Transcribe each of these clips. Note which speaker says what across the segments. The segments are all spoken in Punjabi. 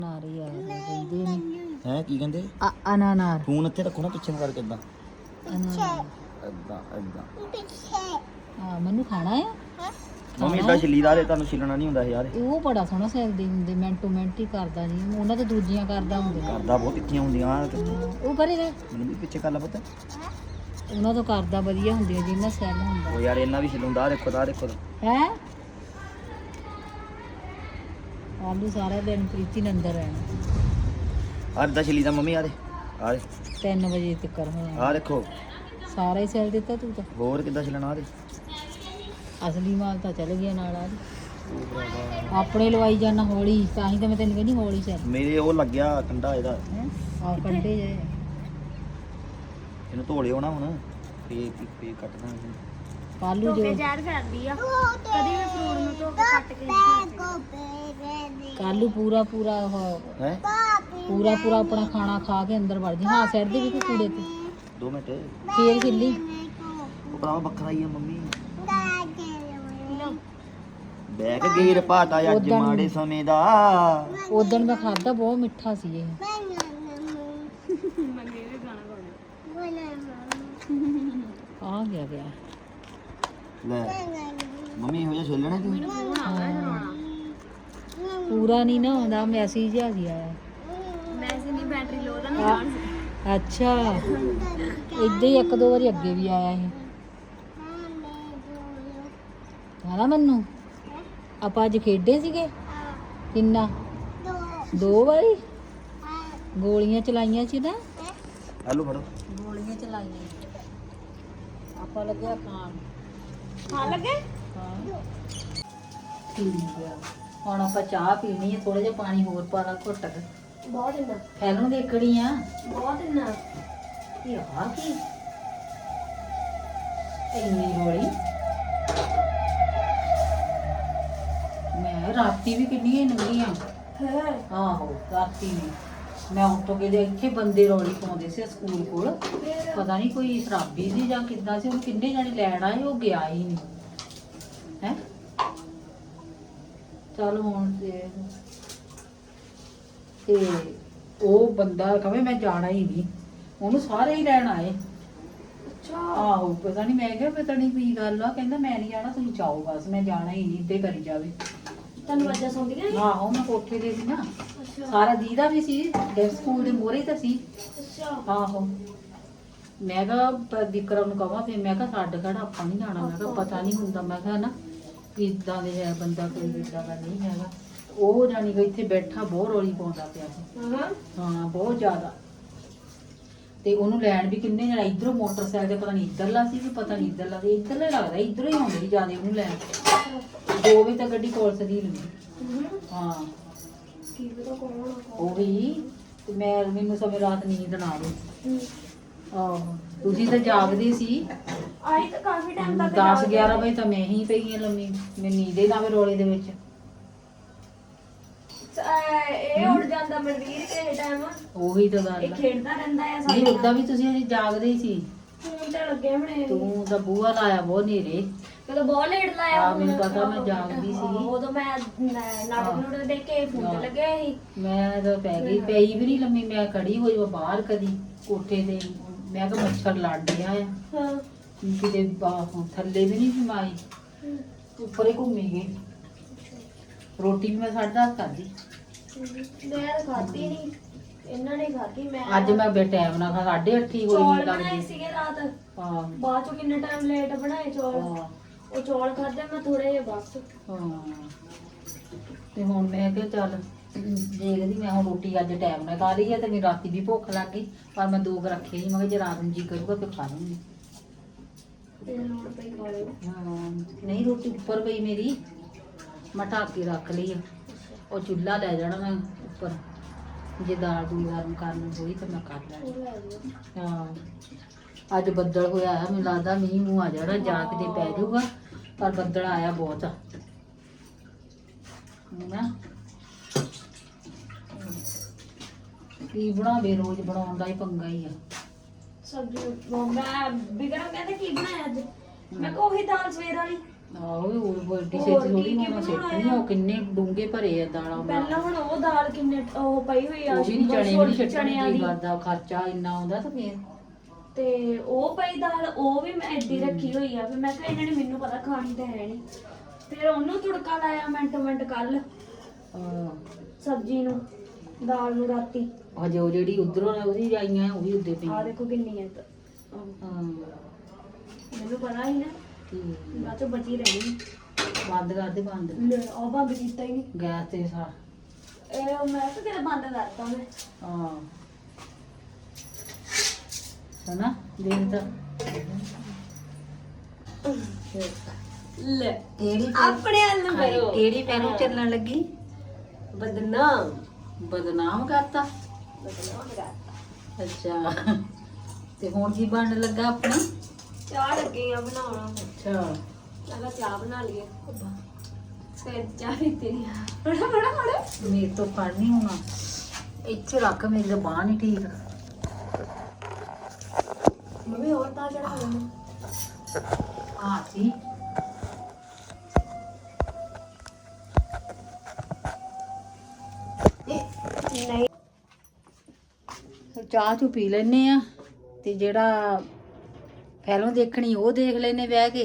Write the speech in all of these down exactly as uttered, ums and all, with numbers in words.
Speaker 1: ਨਾਰੀ ਆ ਕਹਿੰਦੇ ਨੇ
Speaker 2: ਹੈ ਕੀ ਕਹਿੰਦੇ
Speaker 1: ਅਨਾਨਾਰ
Speaker 2: ਫੋਨ ਇੱਥੇ ਰੱਖੋ ਨਾ ਪਿੱਛੇ ਨੂੰ ਕਰਕੇ ਇਦਾਂ
Speaker 1: ਅਨਾਨਾਰ
Speaker 2: ਇਦਾਂ ਇਦਾਂ
Speaker 1: ਹਾਂ ਮੈਨੂੰ ਖਾਣਾ ਆ
Speaker 2: ਮੰਮੀ ਇਦਾਂ ਛਿੱਲੀਦਾ ਤੇ ਤੁਹਾਨੂੰ ਛਿੱਲਣਾ ਨਹੀਂ ਹੁੰਦਾ ਯਾਰ
Speaker 1: ਉਹ ਬੜਾ ਸੋਹਣਾ ਸੈਲਦੀ ਹੁੰਦੇ ਮਿੰਟੋ ਮਿੰਟ ਹੀ ਕਰਦਾ ਜੀ ਉਹਨਾਂ ਤੇ ਦੂਜੀਆਂ ਕਰਦਾ ਹੁੰਦੇ
Speaker 2: ਕਰਦਾ ਬਹੁਤ ਤਿੱਖੀਆਂ ਹੁੰਦੀਆਂ
Speaker 1: ਉਹ ਪਰੇ ਰਹਿ
Speaker 2: ਮੈਨੂੰ ਵੀ ਪਿੱਛੇ ਕਰ ਲਾ ਪੁੱਤ
Speaker 1: ਉਹਨਾਂ ਤੋਂ ਕਰਦਾ ਵਧੀਆ ਹੁੰਦੀਆਂ ਜਿੰਨਾ ਸੈੱਲ ਹੁੰਦਾ
Speaker 2: ਉਹ ਯਾਰ ਇਹਨਾਂ ਵੀ ਛਿਲੂੰਦਾ ਦੇਖੋ ਤਾਂ ਦੇਖੋ
Speaker 1: ਹੈ ਆਲੂ ਸਾਰਾ ਦਿਨ ਪ੍ਰੀਤੀ ਨੇ ਅੰਦਰ ਰਹਿਣਾ
Speaker 2: ਆਹ ਇਦਾਂ ਛਿੱਲੀਦਾ ਮੰਮੀ ਆ ਦੇ ਆ ਦੇ
Speaker 1: ਤਿੰਨ ਵਜੇ ਤੱਕ ਹੋਣਾ
Speaker 2: ਆ ਦੇਖੋ
Speaker 1: ਸਾਰਾ ਹੀ ਸੈੱਲ ਦਿੱਤਾ ਤੂੰ ਤਾਂ
Speaker 2: ਹੋਰ ਕਿੱਦਾਂ ਛਿਲਣਾ ਆ ਦੇ
Speaker 1: ਅਸਲੀ ਮਾਲ ਤਾਂ ਚੱਲ ਗਿਆ ਨਾਲ ਆ ਆਪਣੇ ਲਵਾਈ ਜਾਣਾ ਹੌਲੀ ਤਾਂ ਹੀ ਤਾਂ ਮੈਂ ਤੈਨੂੰ ਕਹਿੰਦੀ ਹੌਲੀ ਚੱਲ
Speaker 2: ਮੇਰੇ ਉਹ ਲੱਗਿਆ ਕੰਡਾ ਇਹਦਾ
Speaker 1: ਆ ਕੰਡੇ ਜੇ
Speaker 2: ਇਹਨੂੰ ਧੋ ਲਿਓ ਨਾ ਹੁਣ ਫੇ ਫੇ ਕੱਟਣਾ ਇਹਨੂੰ
Speaker 1: ਕਾਲੂ ਜੋ
Speaker 3: ਯਾਰ ਕਰਦੀ ਆ ਕਦੀ ਵੀ ਫਰੂਟ ਨੂੰ ਧੋ ਕੇ ਕੱਟ ਕੇ
Speaker 1: ਕਾਲੂ ਪੂਰਾ ਪੂਰਾ ਉਹ
Speaker 2: ਹੈ
Speaker 1: ਪੂਰਾ ਪੂਰਾ ਆਪਣਾ ਖਾਣਾ ਖਾ ਕੇ ਅੰਦਰ ਵੜ ਜੀ ਹਾਂ ਸਿਰ ਦੇ ਵੀ ਕੋਈ ਕੂੜੇ ਤੇ
Speaker 2: ਦੋ ਮਿੰਟ
Speaker 1: ਫੇਰ ਖਿੱਲੀ
Speaker 2: ਉਹ ਭਰਾ ਵੱਖਰਾ ਹੀ ਆ ਮੰਮੀ ਬੈਗ ਗੇਰ ਪਾਤਾ ਅੱਜ
Speaker 1: ਉੱਦਣ-
Speaker 2: ਮਾੜੇ ਸਮੇਂ ਦਾ
Speaker 1: ਉਦੋਂ ਮੈਂ ਖਾਦਾ ਬਹੁਤ ਮਿੱਠਾ ਸੀ ਇਹ ਆ ਗਿਆ ਗਿਆ
Speaker 2: ਲੈ ਮੰਮੀ ਇਹੋ ਜਿਹਾ ਛੋਲਣਾ ਤੂੰ
Speaker 1: ਪੂਰਾ ਨਹੀਂ ਨਾ ਹੁੰਦਾ ਮੈਸੇਜ ਆ ਗਿਆ
Speaker 3: ਮੈਸੇਜ ਨਹੀਂ ਬੈਟਰੀ ਲੋ ਦਾ ਨਹੀਂ ਜਾਣ ਸੀ
Speaker 1: ਅੱਛਾ ਇਦਾਂ ਹੀ ਇੱਕ ਦੋ ਵਾਰੀ ਅੱਗੇ ਵੀ ਆਇਆ ਇਹ ਹਾਂ ਮੈਨੂੰ ਆਪਾਂ ਅੱਜ ਖੇਡੇ ਸੀਗੇ ਕਿੰਨਾ ਦੋ ਵਾਰੀ ਗੋਲੀਆਂ ਚਲਾਈਆਂ ਸੀ ਨਾ
Speaker 2: ਆਲੂ ਫੜੋ
Speaker 1: ਗੋਲੀਆਂ ਚਲਾਈਆਂ ਆਪਾਂ ਲੱਗਿਆ ਖਾਣ
Speaker 3: ਹਾਂ ਲੱਗੇ
Speaker 1: ਹਾਂ ਠੀਕ ਆ ਹੁਣ ਆਪਾਂ ਚਾਹ ਪੀਣੀ ਹੈ ਥੋੜਾ ਜਿਹਾ ਪਾਣੀ ਹੋਰ ਪਾ ਲਾ ਘੁੱਟ ਕੇ
Speaker 3: ਬਹੁਤ ਇੰਨਾ
Speaker 1: ਫਿਲਮ ਦੇਖਣੀ ਆ
Speaker 3: ਬਹੁਤ ਇੰਨਾ
Speaker 1: ਇਹ ਆ ਕੀ ਇੰਨੀ ਗੋਲੀ ਮੈਂ ਰਾਤੀ ਵੀ ਕਿੰਨੀਆਂ ਨੰਗੀਆਂ
Speaker 3: ਹੈ
Speaker 1: ਆਹੋ ਰਾਤੀ ਵੀ ਮੈਂ ਉੱਠ ਕੇ ਦੇ ਇੱਥੇ ਬੰਦੇ ਰੌਲੀ ਪਾਉਂਦੇ ਸੀ ਸਕੂਲ ਕੋਲ ਪਤਾ ਨਹੀਂ ਕੋਈ ਸ਼ਰਾਬੀ ਸੀ ਜਾਂ ਕਿੱਦਾਂ ਸੀ ਉਹਨੂੰ ਕਿੰਨੇ ਜਾਣੇ ਲੈਣ ਆਏ ਉਹ ਗਿਆ ਹੀ ਨਹੀਂ ਹੈ ਚੱਲ ਹੁਣ ਤੇ ਤੇ ਉਹ ਬੰਦਾ ਕਹੇ ਮੈਂ ਜਾਣਾ ਹੀ ਨਹੀਂ ਉਹਨੂੰ ਸਾਰੇ ਹੀ ਲੈਣ ਆਏ
Speaker 3: ਅੱਛਾ
Speaker 1: ਆਹੋ ਪਤਾ ਨਹੀਂ ਮੈਂ ਕਿਹਾ ਪਤਾ ਨਹੀਂ ਕੀ ਗੱਲ ਆ ਕਹਿੰਦਾ ਮੈਂ ਨਹੀਂ ਜਾਣਾ ਤੁਸੀਂ ਜਾਓ ਬਸ ਮੈਂ ਜਾਣਾ ਹੀ ਨਹੀਂ ਇੱਦਾਂ ਹੀ ਕਰੀ ਜਾਵੇ
Speaker 3: ਤੁਹਾਨੂੰ ਵਾਜਾਂ ਸੌਂਦੀਆਂ ਨੇ
Speaker 1: ਆਹੋ ਮੈਂ ਕੋਠੇ ਤੇ ਸੀ ਨਾ
Speaker 3: ਅੱਛਾ
Speaker 1: ਸਾਰਾ ਦੀਦਾ ਵੀ ਸੀ ਡੇ ਸਕੂਲ ਦੇ ਮੋਹਰੇ ਤਾਂ ਸੀ
Speaker 3: ਅੱਛਾ
Speaker 1: ਆਹੋ ਮੈਂ ਕਿਹਾ ਪ- ਵਿਕਰਮ ਨੂੰ ਕਹਾਂ ਫਿਰ ਮੈਂ ਕਿਹਾ ਛੱਡ ਖੜਾ ਆਪਾਂ ਨਹੀਂ ਜਾਣਾ ਮੈਂ ਕਿਹਾ ਪਤਾ ਨਹੀਂ ਹੁੰਦਾ ਮੈਂ ਕਿਹਾ ਨਾ ਕਿੱਦਾਂ ਦੇ ਹੈ ਬੰਦਾ ਕੋਈ ਇਦਾਂ ਦਾ ਨਹੀਂ ਹੈਗਾ ਉਹ ਜਾਨੀ ਕਿ ਇੱਥੇ ਬੈਠਾ ਬਹੁਤ ਰੌਲੀ ਪਾਉਂਦਾ ਪਿਆ ਸੀ
Speaker 3: ਹਾਂ
Speaker 1: ਹਾਂ ਬਹੁਤ ਜ਼ਿਆਦਾ ਤੇ ਉਹਨੂੰ ਲੈਣ ਵੀ ਕਿੰਨੇ ਜਣਾ ਇਧਰੋਂ ਮੋਟਰਸਾਈਕਲ ਤੇ ਪਤਾ ਨਹੀਂ ਇੱਧਰਲਾ ਸੀ ਵੀ ਪਤਾ ਨਹੀਂ ਇੱਧਰਲਾ ਸੀ ਇੱਧਰਲਾ ਹੀ ਲੱਗਦਾ ਇੱਧਰੋਂ ਹੀ ਆਉਂਦੇ ਸੀ ਜਿਆਦਾ ਉਹਨੂੰ ਲੈਣ ਦੋ ਵਜੇ ਤੱਕ ਗੱਡੀ ਕੋਲ ਸਦੀ ਲੰਗੀ ਹਾਂ
Speaker 3: ਕੀ ਪਤਾ ਕੌਣ ਆ ਕੌਣ
Speaker 1: ਉਹ ਵੀ ਤੇ ਮੈਂ ਮੈਨੂੰ ਸਮੇਂ ਰਾਤ ਨੀਂਦ ਨਾ ਆਵੇ ਆਹੋ ਤੁਸੀਂ ਤਾਂ ਜਾਗਦੇ ਸੀ
Speaker 3: ਆਈ ਤਾਂ ਕਾਫੀ ਟਾਈਮ ਤੱਕ
Speaker 1: ਦਸ ਗਿਆਰਾਂ ਵਜੇ ਤਾਂ ਮੈਂ ਹੀ ਪਈ ਹਾਂ ਲੰਮੀ ਮੈਨੂੰ ਨੀਂਦ ਹੀ ਨਾ ਆਵੇ ਰੋਲੇ ਦੇ ਵਿੱਚ
Speaker 3: ਅਹ ਇਹ ਉੱਡ ਜਾਂਦਾ ਮਨਵੀਰ ਕਿਸੇ ਟਾਈਮ
Speaker 1: ਉਹੀ ਤਾਂ ਗੱਲ
Speaker 3: ਇਹ
Speaker 1: ਆ।
Speaker 3: ਖੇਡਦਾ ਰਹਿੰਦਾ ਆ
Speaker 1: ਨਹੀਂ ਉਦਾਂ ਵੀ ਤੁਸੀਂ ਅਜੇ ਜਾਗਦੇ ਹੀ ਸੀ
Speaker 3: ਫੋਨ ਤੇ ਲੱਗੇ ਹੋਣੇ
Speaker 1: ਤੂੰ ਤਾਂ ਬੂਹਾ ਲਾਇਆ ਬਹੁਤ ਨੇਰੇ
Speaker 3: ਕਦੋਂ ਬਹੁਤ ਲੇਟ ਲਾਇਆ
Speaker 1: ਆ ਮੈਨੂੰ ਪਤਾ ਮੈਂ ਜਾਗਦੀ ਸੀ
Speaker 3: ਉਦੋਂ ਮੈਂ ਨ- ਨਾਟਕ ਨੂਟਕ ਦੇਖ ਕੇ ਫੋਨ ਤੇ ਲੱਗਿਆ ਸੀ
Speaker 1: ਮੈਂ ਤਾਂ ਪੈ ਗਈ ਪਈ ਵੀ ਨਹੀਂ ਲੰਮੀ ਮੈਂ ਖੜੀ ਹੋਈ ਵਾ ਬਾਹਰ ਕਦੀ ਕੋਠੇ ਤੇ ਮੈਂ ਕਿਹਾ ਮੱਛਰ ਲੜ ਰਿਹਾ ਆ
Speaker 3: ਹਾਂ
Speaker 1: ਕਿਤੇ ਬਾਹੋਂ ਥੱਲੇ ਵੀ ਨਹੀਂ ਸਮਾਈ ਉੱਪਰ ਹੀ ਘੁੰਮੀ ਗਈ ਰੋਟੀ ਵੀ ਮੈਂ ਸਾਢੇ ਦਸ ਖਾਧੀ
Speaker 3: ਮੈਂ ਤਾਂ ਖਾਧੀ ਨਹੀਂ ਇਹਨਾਂ ਨੇ ਖਾਧੀ ਮੈਂ
Speaker 1: ਅੱਜ ਮੈਂ ਬੇ ਟਾਈਮ ਨਾਲ ਖਾ ਸਾਢੇ ਅੱਠ ਹੀ ਹੋਈ
Speaker 3: ਚੌਲ
Speaker 1: ਮੈਨੂੰ
Speaker 3: ਬਣਾਏ
Speaker 1: ਲੱਗਦੀ
Speaker 3: ਸੀਗੇ ਰਾਤ
Speaker 1: ਹਾਂ
Speaker 3: ਬਾਅਦ ਚੋਂ ਕਿੰਨੇ ਟਾਈਮ ਲੇਟ ਬਣਾਏ ਚੌਲ
Speaker 1: ਹਾਂ
Speaker 3: ਉਹ ਚੌਲ ਖਾਧੇ ਮੈਂ ਥੋੜੇ ਜਿਹੇ ਬਸ
Speaker 1: ਹਾਂ ਤੇ ਹੁਣ ਮੈਂ ਕਿਹਾ ਚੱਲ ਦੇਖਦੀ ਮੈਂ ਹੁਣ ਰੋਟੀ ਅੱਜ ਟਾਈਮ ਨਾਲ ਖਾ ਲਈ ਹੈ ਤੇ ਮੈਨੂੰ ਰਾਤੀ ਵੀ ਭੁੱਖ ਲੱਗ ਗਈ ਪਰ ਮੈਂ ਦੋ ਕੁ ਰੱਖੇ ਸੀ ਮੈਂ ਕਿਹਾ ਜੇ ਰਾਤ ਨੂੰ ਜੀ ਕਰੂਗਾ ਫਿਰ ਖਾ ਲੂੰਗੀ
Speaker 3: ਤੇ ਲੋੜ ਪਈ ਖਾ ਲਿਓ
Speaker 1: ਹਾਂ ਨਹੀਂ ਰੋਟੀ ਉੱਪਰ ਪਈ ਮੇਰੀ ਮੈਂ ਢੱਕ ਕੇ ਰੱਖ ਲਈ ਆ ਉਹ ਚੁੱਲ੍ਹਾ ਲੈ ਜਾਣਾ ਮੈਂ ਉੱਪਰ ਜੇ ਦਾਲ ਦੂਲ ਗਰਮ ਕਰਨੀ ਹੋਈ ਤਾਂ ਮੈਂ ਕਰ ਲੈਣੀ
Speaker 3: ਉਹ ਲੈ ਲਿਓ
Speaker 1: ਹਾਂ ਅੱਜ ਬੱਦਲ ਹੋਇਆ ਆ ਮੈਨੂੰ ਲੱਗਦਾ ਮੀਂਹ ਮੂੰਹ ਆ ਜਾਣਾ ਜਾ ਕੇ ਤੇ ਪੈ ਜਾਊਗਾ ਪਰ ਬੱਦਲ ਆਇਆ ਬਹੁਤ ਆ ਨਾ ਕੀ ਬਣਾਵੇ ਰੋਜ਼ ਬਣਾਉਣ ਦਾ ਹੀ ਪੰਗਾ ਹੀ ਆ
Speaker 3: ਸਬਜ਼ੀ ਉਹ ਮੈਂ ਬਿਗੜਮ ਕਹਿੰਦੇ ਕੀ ਬਣਾਇਆ ਅੱਜ ਮੈਂ ਕਿਹਾ ਉਹੀ ਦਾਲ ਸਵੇਰ ਵਾਲੀ
Speaker 1: ਆਹੋ ਉਹ ਵੱਡੀ
Speaker 3: ਹੋਰ
Speaker 1: ਛੇਤੀ ਥੋੜੀ
Speaker 3: ਕੀ- ਕੀ
Speaker 1: ਹੁਣ
Speaker 3: ਬਣਾਉਣਾ
Speaker 1: ਸਿੱਟਣੀ ਉਹ ਕਿੰਨੇ ਡੂੰਘੇ ਭਰੇ ਆ ਦਾਲਾਂ
Speaker 3: ਪਹਿਲਾਂ ਹੁਣ ਉਹ ਦਾਲ ਕਿੰਨੇ ਉਹ ਪਈ ਹੋਈ ਆ
Speaker 1: ਉਹ ਵੀ ਨੀ ਚਣੇ ਵੀ ਨੀ ਛੱਡਣੇ
Speaker 3: ਚਣਿਆਂ
Speaker 1: ਕੀ
Speaker 3: ਦੀ
Speaker 1: ਕਰਦਾ ਖਰਚਾ ਇੰਨਾ ਆਉਂਦਾ ਤਾਂ ਫੇਰ
Speaker 3: ਤੇ ਉਹ ਪਈ ਦਾਲ ਉਹ ਵੀ ਮੈਂ ਏਡੀ ਰੱਖੀ ਹੋਈ ਆ ਫਿਰ ਮੈਂ ਕਿਹਾ ਇਹਨਾਂ ਨੇ ਮੈਨੂੰ ਪਤਾ ਖਾਣੀ ਤਾਂ ਹੈ ਨਹੀਂ ਫਿਰ ਉਹਨੂੰ ਤੁੜਕਾ ਲਾਇਆ ਮਿੰਟ ਮਿੰਟ ਕੱਲ
Speaker 1: ਹਾਂ
Speaker 3: ਸਬਜ਼ੀ ਨੂੰ ਦਾਲ ਨੂੰ ਰਾਤੀ
Speaker 1: ਹਜੇ ਉਹ ਜਿਹੜੀ ਉਧਰੋਂ ਉਹਦੀ ਆਈਆਂ ਉਹ ਵੀ ਉੱਦੇ ਪਈ
Speaker 3: ਆ ਦੇਖੋ ਕਿੰਨੀ ਹੈ ਤਾਂ
Speaker 1: ਹਾਂ
Speaker 3: ਮੈਨੂੰ ਪਤਾ ਹੀ ਨਾ
Speaker 1: ਠੀਕ
Speaker 3: ਬਾਅਦ ਚੋਂ ਬਚੀ ਰਹਿਣੀ
Speaker 1: ਬੰਦ ਕਰ ਦੇ ਬੰਦ
Speaker 3: ਲੈ ਉਹ ਬੰਦ ਕੀਤਾ ਹੀ ਨਹੀਂ
Speaker 1: ਗੈਸ ਤੇ ਸਾ
Speaker 3: ਇਹ ਮੈਂ ਤਾਂ ਤੇਰਾ ਬੰਦ ਕਰਤਾ ਮੈਂ
Speaker 1: ਹਾਂ ਹਨਾ ਦੇਖ ਤਾਂ
Speaker 3: ਲੈ
Speaker 1: ਕਿਹੜੀ
Speaker 3: ਆਪਣੇ ਹੱਲ ਨੂੰ ਕਰੋ
Speaker 1: ਕਿਹੜੀ ਪੈਰੋਂ ਚੱਲਣ ਲੱਗੀ
Speaker 3: ਬਦਨਾਮ
Speaker 1: ਬਦਨਾਮ ਕਰਤਾ
Speaker 3: ਬਦਨਾਮ ਕਰਤਾ
Speaker 1: ਅੱਛਾ ਤੇ ਹੁਣ ਕੀ ਬਣਨ ਲੱਗਾ ਆਪਣਾ
Speaker 3: ਚਾਹ ਲੱਗੀ ਆ ਬਣਾਉਣਾ
Speaker 1: ਅੱਛਾ
Speaker 3: ਚਲੋ ਚਾਹ ਬਣਾ ਲਈਏ ਫਿਰ ਚਾਹ ਵੀ ਤੇਰੀ ਬੜਾ ਬੜਾ ਬੜਾ
Speaker 1: ਮੇਰੇ ਤੋਂ ਫੜ ਨਹੀਂ ਹੋਣਾ ਇੱਥੇ ਰੱਖ ਮੇਰੀ ਤਾਂ ਬਾਂਹ ਨਹੀਂ ਠੀਕ
Speaker 3: ਮੰਮੀ ਹੋਰ ਤਾਂ ਚੜਾ ਲੈਣਾ
Speaker 1: ਆ ਸੀ
Speaker 3: ਨਹੀਂ
Speaker 1: ਚਾਹ ਚੂ ਪੀ ਲੈਨੇ ਆ ਤੇ ਜਿਹੜਾ ਫਿਲਮ ਦੇਖਣੀ ਉਹ ਦੇਖ ਲੈਨੇ ਬਹਿ ਕੇ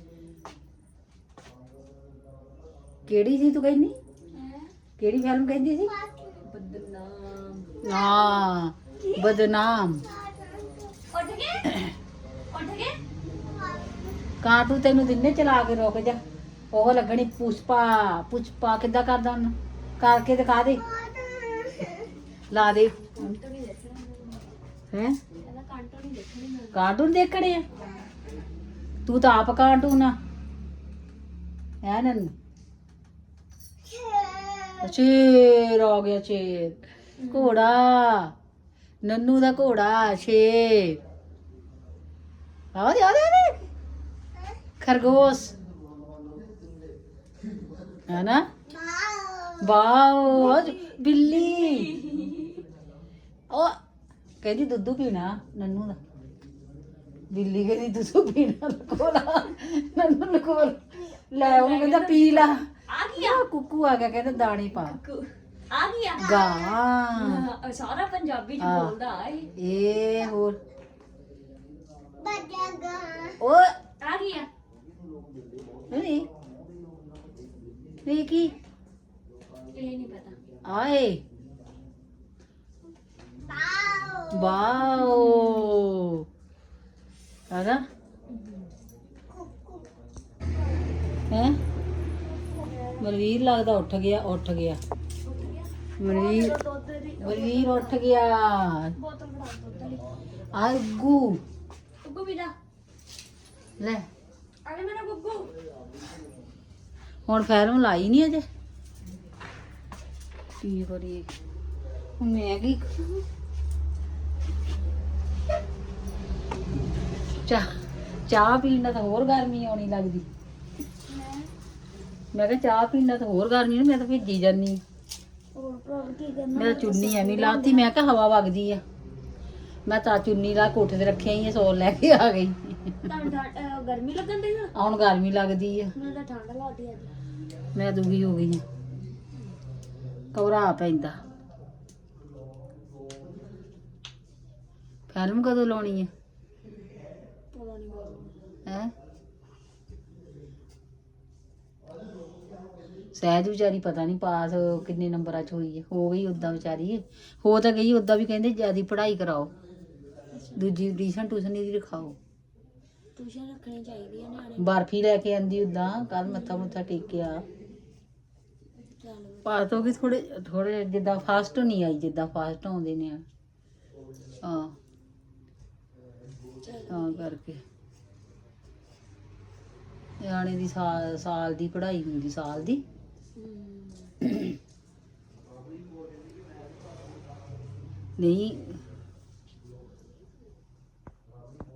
Speaker 1: ਕਿਹੜੀ ਸੀ ਤੂੰ ਕਹਿੰਦੀ ਕਿਹੜੀ ਫਿਲਮ ਕਹਿੰਦੀ ਸੀ
Speaker 3: ਬਦਨਾਮ
Speaker 1: ਹਾਂ ਬਦਨਾਮ
Speaker 3: ਉੱਠ ਗਏ ਉੱਠ ਗਏ
Speaker 1: ਕਾਟੂ ਤੈਨੂੰ ਦਿਨੇ ਚਲਾ ਕੇ ਰੁਕ ਜਾ ਉਹ ਲੱਗਣੀ ਪੁਸ਼ਪਾ ਪੁਸ਼ਪਾ ਕਿੱਦਾਂ ਕਰਦਾ ਉਹਨੂੰ ਕਰਕੇ ਦਿਖਾ ਦੇ ਲਾ ਦੇ
Speaker 3: ਕੰਟੋ ਨਹੀਂ ਦੇਖਣਾ
Speaker 1: ਹੈ
Speaker 3: ਇਹਦਾ ਕੰਟੋ ਨਹੀਂ ਦੇਖਣੀ ਮੈਂ
Speaker 1: ਕਾਰਟੂਨ ਦੇਖਣੇ ਆ ਤੂੰ ਤਾਂ ਆਪ ਕਾਰਟੂਨ ਆ ਹੈ ਨੰਨੂ ਸ਼ੇਰ ਆ ਗਿਆ ਸ਼ੇਰ ਘੋੜਾ ਨੰਨੂ ਦਾ ਘੋੜਾ ਸ਼ੇਰ ਆ ਦੇ ਆ ਦੇ ਆ ਦੇ ਖਰਗੋਸ਼ ਹੈ ਨਾ ਵਾਓ ਬਿੱਲੀ ਉਹ ਕਹਿੰਦੀ ਦੁੱਧ ਪੀਣਾ ਨੰਨੂ ਦਾ ਬਿੱਲੀ ਕਹਿੰਦੀ ਦੁੱਧ ਪੀਣਾ ਕੋਲਾ ਨੰਨੂ ਨੂੰ ਕੋਲ ਲੈ ਉਹਨੂੰ ਕਹਿੰਦਾ ਪੀ ਲਾ
Speaker 3: ਆ ਗਿਆ
Speaker 1: ਆ ਕੁੱਕੂ ਆ ਗਿਆ ਕਹਿੰਦਾ ਦਾਣੇ ਪਾ
Speaker 3: ਆ ਗਿਆ
Speaker 1: ਗਾ
Speaker 3: ਹਾਂ, ਸਾਰਾ ਪੰਜਾਬੀ ਚ
Speaker 1: ਹਾਂ।
Speaker 3: ਬੋਲਦਾ ਆ ਇਹ
Speaker 1: ਇਹ ਹੋਰ ਉਹ
Speaker 3: ਆ ਗਿਆ
Speaker 1: ਨਹੀਂ ਨਹੀਂ ਕੀ
Speaker 3: ਇਹ ਨਹੀਂ ਪਤਾ
Speaker 1: ਆਏ ਵਾਓ ਹੈਨਾ ਹੈ ਮਨਵੀਰ ਲੱਗਦਾ ਉੱਠ ਗਿਆ ਉੱਠ ਗਿਆ ਮਨਵੀਰ
Speaker 3: ਦੁੱਧ ਦੀ
Speaker 1: ਮਨਵੀਰ ਉੱਠ ਗਿਆ
Speaker 3: ਬੋਤਲ ਬਣਾ ਦੁੱਧ ਵਾਲੀ
Speaker 1: ਆ ਗੁੱਗੂ
Speaker 3: ਗੁੱਗੂ ਵੀ ਦਾ
Speaker 1: ਲੈ
Speaker 3: ਅਰੇ ਮੇਰਾ ਗੁੱਗੂ
Speaker 1: ਹੁਣ ਫੈਰਮ ਲਾਈ ਨਹੀਂ ਅਜੇ ਕੀ ਕਰੀਏ ਹੁਣ ਮੈਂ ਕੀ ਚਾਹ ਚਾਹ ਪੀਣ ਨਾਲ ਤਾਂ ਹੋਰ ਗਰਮੀ ਆਉਣੀ ਲੱਗਦੀ ਮੈਂ ਕਿਹਾ ਚਾਹ ਪੀਣ ਨਾਲ ਤਾਂ ਹੋਰ ਗਰਮੀ ਨਹੀਂ ਮੈਂ ਤਾਂ ਭਿੱਜੀ ਜਾਨੀ ਆਂ।
Speaker 3: ਹੋਰ ਭਰਾ ਕੀ ਕਰਨਾ
Speaker 1: ਮੈਂ ਤਾਂ ਚੁੰਨੀ ਐਵੇਂ ਲਾਤੀ ਮੈਂ ਕਿਹਾ ਹਵਾ ਵਗਦੀ ਆ ਮੈਂ ਤਾਂ ਚੁੰਨੀ ਲਾ ਕੋਠੇ ਤੇ ਰੱਖਿਆ ਹੀ ਸੌਲ ਲੈ ਕੇ ਆ ਗਈ
Speaker 3: ਤੁਹਾਨੂੰ ਠੰਡ ਅਹ ਗਰਮੀ ਲੱਗਣ ਦੀ ਨਾ
Speaker 1: ਹੁਣ ਗਰਮੀ ਲੱਗਦੀ ਆ
Speaker 3: ਮੈਨੂੰ ਤਾਂ ਠੰਡ ਲੱਗਦੀ ਅੱਜ
Speaker 1: ਮੈਂ ਦੁਖੀ ਹੋ ਗਈ ਆ ਘਬਰਾ ਪੈਂਦਾ ਫਿਲਮ ਕਦੋਂ ਲਾਉਣੀ ਆ
Speaker 3: ਪਤਾ ਨਹੀਂ ਕਦੋਂ
Speaker 1: ਹੈ ਸਹਿਜ ਵਿਚਾਰੀ ਪਤਾ ਨਹੀਂ ਪਾਸ ਕਿੰਨੇ ਨੰਬਰਾਂ ਚ ਹੋਈ ਹੈ ਹੋ ਗਈ ਉਦਾਂ ਵਿਚਾਰੀ ਹੋ ਤਾਂ ਗਈ ਉਦਾਂ ਵੀ ਕਹਿੰਦੇ ਜਿਆਦੀ ਪੜ੍ਹਾਈ ਕਰਾਓ ਦੂਜੀ ਟਿਊਸ਼ਨ ਟਿਊਸ਼ਨ ਦੀ ਰਖਾਓ
Speaker 3: ਟਿਊਸ਼ਨ ਰੱਖਣੀ ਚਾਹੀਦੀ ਹੈ ਨਿਆਣੇ
Speaker 1: ਬਰਫੀ ਲੈ ਕੇ ਆਂਦੀ ਉਦਾਂ ਕੱਲ ਮੱਥਾ ਮੁੱਥਾ ਟੇਕਿਆ
Speaker 3: ਚੱਲ
Speaker 1: ਪਾਸ ਹੋ ਗਈ ਥੋੜੇ ਥੋੜੇ ਜਿੱਦਾਂ ਫਾਸਟ ਨਹੀਂ ਆਈ ਜਿੱਦਾਂ ਫਾਸਟ ਆਉਂਦੇ ਨੇ ਹਾਂ ਤਾਂ ਕਰਕੇ ਨਿਆਣੇ ਦੀ ਸਾਲ ਸਾਲ ਦੀ ਪੜ੍ਹਾਈ ਹੁੰਦੀ ਸਾਲ ਦੀ
Speaker 3: ਹਮ,
Speaker 1: ਨਹੀਂ